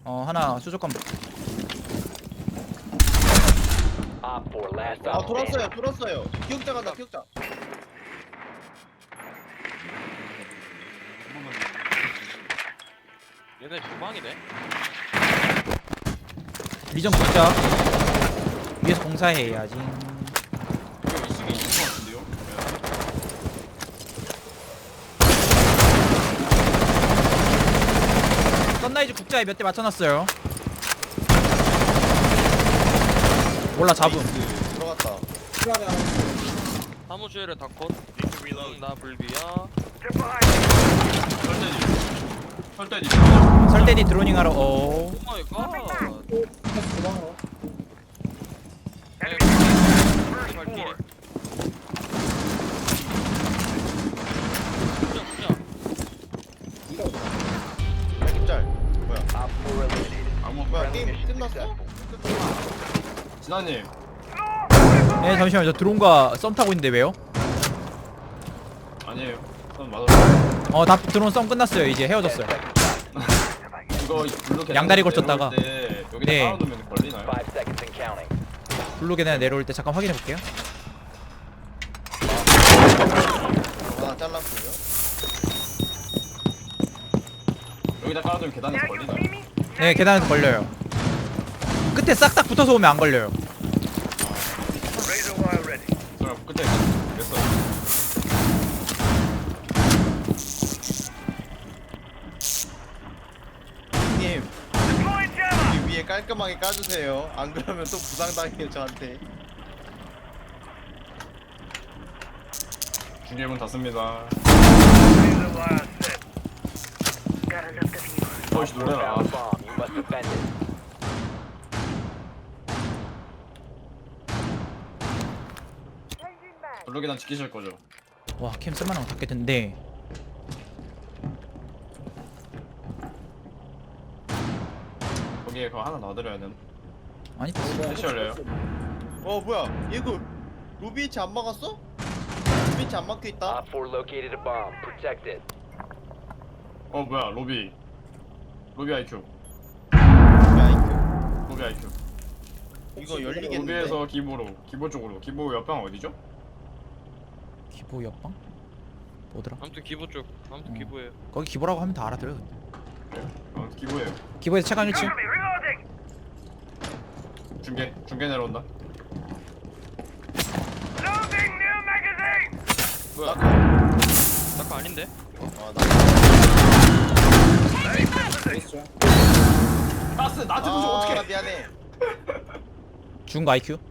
하나 수족관. Op 4 last 아 op standing. 돌았어요. 기억자 간다 기억자. 얘네 주방이네. 리전 붙자. 위에서 공사해야지. 이거 이식이 있을 것 같은데요? 썬라이즈 국자에 몇 대 맞춰놨어요. 몰라 잡음. 들어갔다. 사무실에 다 컷. 나 불비야. 설대지. 설대디 드로닝 하러. 오 마이 갓. 발길이. 기억짤. 뭐야? Op 4 eliminated. 아무 뭐야 Friendly 게임 mission 끝났어? successful. 진아님. 네 잠시만 저 드론과 썸 타고 있는데 왜요? 아니에요. 전 맞았어요. 다 드론 썸 끝났어요. 이제 헤어졌어요. 이거 블루 계단 양다리 걸쳤다가. 내려올 때 여기다 네. 깔아놓으면 걸리나요? 5 seconds and counting. 블루 계단에 내려올 때 잠깐 확인해 볼게요. 하나 잘랐고요. 여기다 깔아두면 계단에서 걸리나요? 네 계단에서 걸려요. 끝에 싹싹 붙어서 오면 안 걸려요. 그럼 끝에 됐어. 님. 여기 위에 깔끔하게 까주세요. 안 그러면 또 부상당해요 저한테. 중계문 닫습니다. 어이씨 놀래라. Found bomb. You must defend it. 블루 계단 지키실 거죠? 와 캠 쓸만한 거 닫게 된대. 거기에 그거 하나 놔드려야 되나? 아니 대시 열려요. 뭐야? 이거 루비치 안 막았어? 루비치 안 막혀 있다. Op 4 located a bomb. Protect it. 뭐야 로비. 로비 IQ. 야, 로비 IQ. 이거 열리겠는데? 로비에서 기보로. 기보 쪽으로. 기보 옆방 어디죠? 기보 옆방? 뭐더라? 아무튼 기부 쪽. 아무튼 기부예요. 거기 기보라고 하면 다 알아들어요. 근데. 기보예요. 기보에서 체감 1층. 중계 내려온다. 뭐야? 나거 아닌데? 가스 나한테 보지 어떡해. 미안해. 죽은 거 IQ?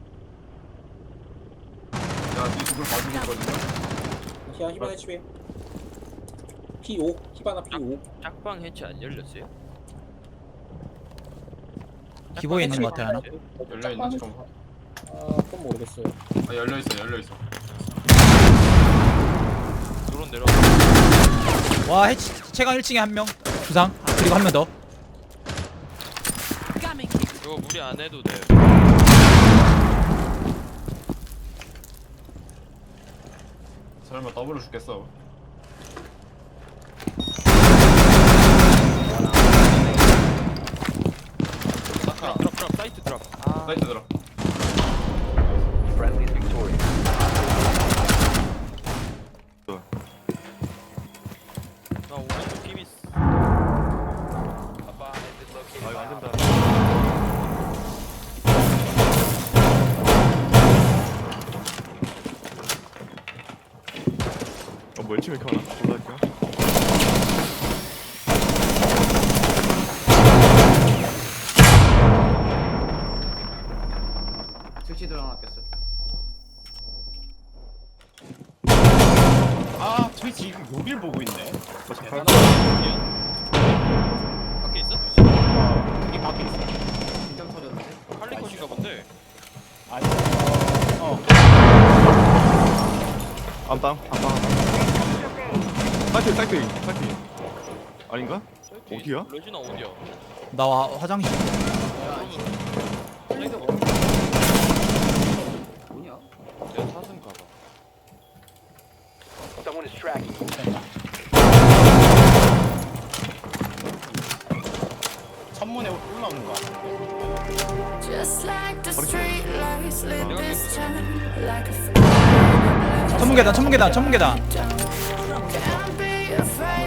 야니 두분 봐주고 있거든요. 히바나 집에 P5 히바나 P5 짝방 해체 안 열렸어요? 기보에 있는 거 같아 하나. 열려있나? 좀. 그건 모르겠어요. 열려있어. 드론 내려. 와 해치 체감 1층에 한 명. 부상. 그리고 한 명 더. 이거 무리 안 해도 돼. 설마 더블로 죽겠어. 드랍 사이트 드랍. 사이트 들어. Friendly is victorious. 나 오른쪽 피미스. A bomb has been located. 아 이거 안 by 된다. 뭐 열심히 이렇게 하나? 몰랄까? 즉시 들어놨겠어. 아 트위치 이거 여길 보고 있네. 하나 밖에 있어? 여기 밖에 있어. 긴장 터졌는데? 할리컷인가 본데. 안땅. 사이트. 아닌가? 어디야? 레지나 어디야? 나 화장실. 사이트 뭐냐? 내가 사슴 가봐. Someone is tracking you. 천문에 나오는 거 같은데. 천문 계단 천문 계단 천문 계단